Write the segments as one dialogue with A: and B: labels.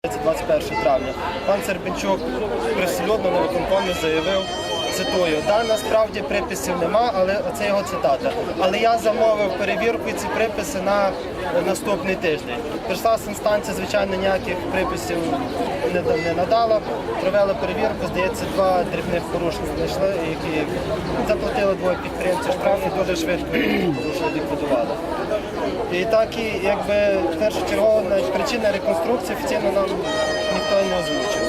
A: 21 травня. Пан Сербенчук привселюдно на виконкомі заявив, цитую, «Да, насправді приписів нема, але це його цитата. Але я замовив перевірку і ці приписи на наступний тиждень». Прийшла інстанція, звичайно, ніяких приписів не надала. Провели перевірку, здається, 2 дрібних порушення знайшли, які заплатили 2 підприємців штраф і дуже швидко порушення ліквідували. І так, і якби першочергово причина реконструкції офіційно нам ніхто не озвучив.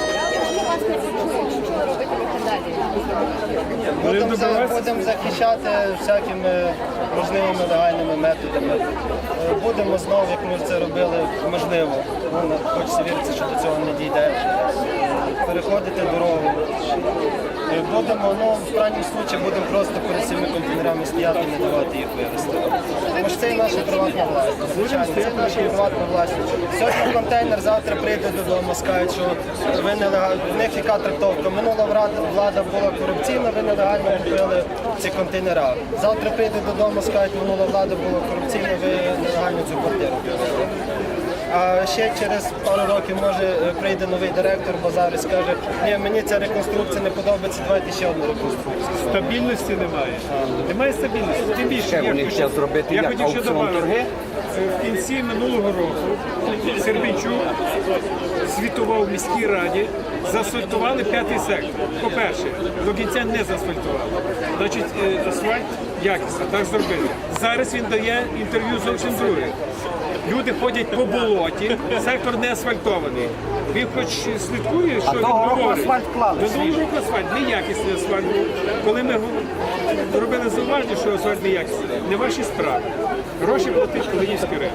A: Будемо захищати всякими можливими легальними методами. Будемо знову, як ми це робили, можливо, хочеться вірити, що до цього не дійде, переходити дорогу. Будемо, в крайньому випадку, будемо просто перед цими контейнерами стояти і не давати їх вивезти. Тому що це і наша приватна власність. Звичайно, це наша приватна власність. Сьогодні контейнер, завтра прийде додому, скажуть, що ви нелегально. В них яка трактовка? Минула влада була корупційна, ви нелегально купили ці контейнера. Завтра прийде додому, скажуть, минула влада була корупційна, ви нелегально цю квартиру купили. А ще через пару років, може, прийде новий директор базару і скаже, ні, мені ця реконструкція не подобається, давайте ще одну реконструкцію.
B: Стабільності немає. Немає стабільності. Тим більше,
C: я
B: хотів ще добавити, в кінці минулого року Сербенчук звітував в міській раді, заасфальтували 5-й сектор. По-перше, до кінця не заасфальтували. Значить, асфальт якісно, так зробили. Зараз він дає інтерв'ю зовсім друге. Люди ходять по болоті, сектор не асфальтований. Він хоч слідкує, що він говорить. До нового року асфальт, неякісний асфальт. Коли ми робили зауваження, що асфальт неякісний, не ваші справи. Гроші платить Калинівський ринок.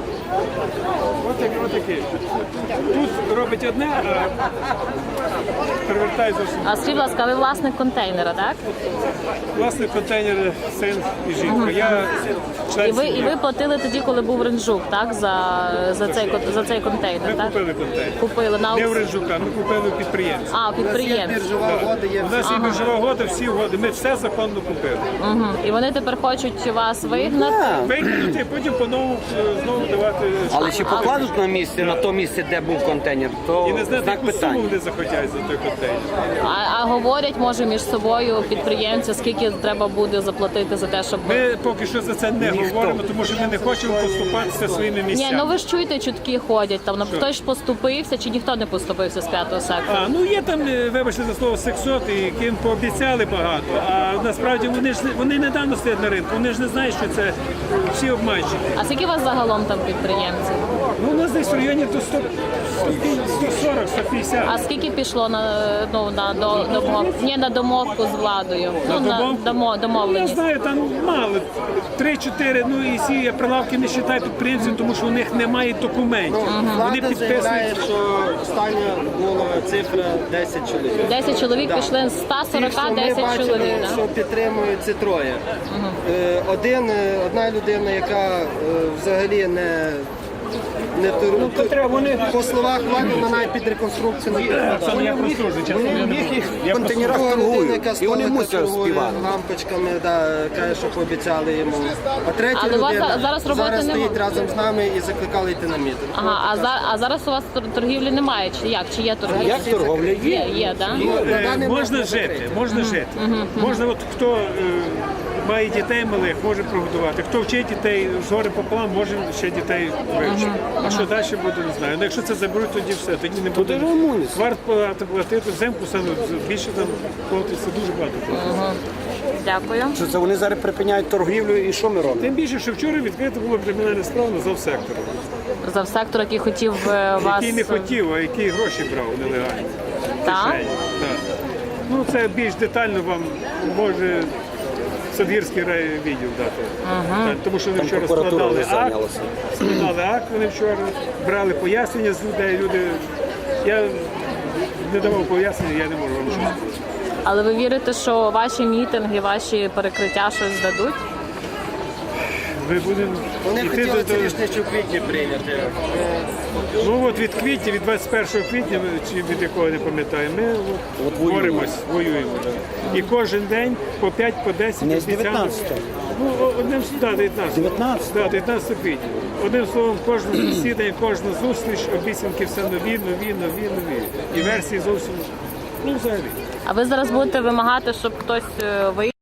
B: Ось таке. Тут робить одне, а перевертає зовсім.
D: А скажіть, будь ласка, ви власник контейнера, так?
B: Власник контейнера, син і жінка. Я
D: І ви платили тоді, коли був Ринжук, так? За цей контейнер,
B: Ми
D: так?
B: купили контейнер.
D: Купили на
B: Не в Ринжука, ми купили у підприємця.
D: А, підприємці.
A: Біржова угода є.
B: У нас є біржова угода, всі угоди. Ми все законно купили.
D: І вони тепер хочуть вас вигнати?
B: Викинути, потім по-новому знову давати.
C: Але чи покладуть на то місце, де був контейнер, то
B: І не знати,
C: знак
B: яку суму
C: питання.
B: вони захотять за той контейнер.
D: А говорять, може, між собою підприємці, скільки треба буде заплатити за те, щоб...
B: Ми поки що за це не говоримо, тому що ми не хочемо поступатися своїми
D: Ні,
B: місцями.
D: ну ви ж чуєте, чутки ходять, там хтось поступився, чи ніхто не поступився з 5-го сектору?
B: Ну є там, вибачте за слово, сексоти, яким пообіцяли багато, а насправді вони недавно стоять на ринку, вони ж не знають, що це всі обманщики.
D: А скільки у вас загалом там підприємців?
B: Ну, у нас десь в районі до 140, 150.
D: А скільки пішло на домовку з владою?
B: Я
D: Домовленість.
B: знаю, там мало. 3-4, ну і ці прилавки не вважають підприємців, тому що у них немає документів. Вони
A: Влада заявляє,
B: підписують.
A: що остання була цифра 10 чоловік.
D: 10 чоловік пішли з 140,
A: Ті, що ми
D: 10
A: бачимо,
D: чоловік. Да?
A: що підтримують ці троє. Одна людина, яка взагалі не по словах влади, вона навіть під реконструкцію не підпадає.
B: Я прослужу, чесно, я не буду.
C: Контейнерах
A: Друга людина,
C: торгують,
A: яка
C: і вони
A: столика
C: мусять
A: торгує
C: співати.
A: лампочками, каже, що пообіцяли йому. А третя
D: Але у вас
A: людина
D: зараз роботи
A: зараз
D: нема?
A: стоїть разом з нами і закликали йти на мітинг.
D: Ага, а зараз у вас торгівлі немає, чи як? Чи є торгівля?
C: Як торговля є?
D: Є, так?
B: Можна жити, можна жити. Можна, от хто має дітей малих, може прогодувати. Хто вчить дітей згори пополам, може ще дітей вивчити. А що далі буде, не знаю. Ну, якщо це заберуть, тоді все, тоді не буде. Варт платити взимку, саме більше там платиться дуже багато.
D: Дякую.
C: Що це вони зараз припиняють торгівлю і що ми робимо?
B: Тим більше, що вчора відкрита була кримінальна справа на завсектору.
D: Завсектор, який хотів вас...
B: Який не хотів, а який гроші брав нелегально.
D: Так?
B: Так. Ну, це більш детально вам може Садгірський райвідділ дати. Так, тому що вони вчора
C: прокуратура
B: складали
C: вже зайнялася.
B: акт, вони вчора брали пояснення з людей. Я не давав пояснення, я не можу вам щось сказати.
D: Але ви вірите, що ваші мітинги, ваші перекриття щось дадуть?
B: Ми будемо
A: Вони
B: І ти
A: хотіли
B: до-
A: це рішення ще в квітні прийняти.
B: Ну от від квітня, від 21 квітня, чи від якого не пам'ятаю, ми от боремось, воюємо. Да. І кожен день по 5, по 10
E: Не з
B: обіцянок.
E: 19-го.
B: Ну, одним да, 19.
E: 19?
B: Да, 19 квітня. Одним словом, кожне засідання, кожна зустріч, обіцянки все нові. І версії зовсім, ну взагалі.
D: А ви зараз будете вимагати, щоб хтось виїхав?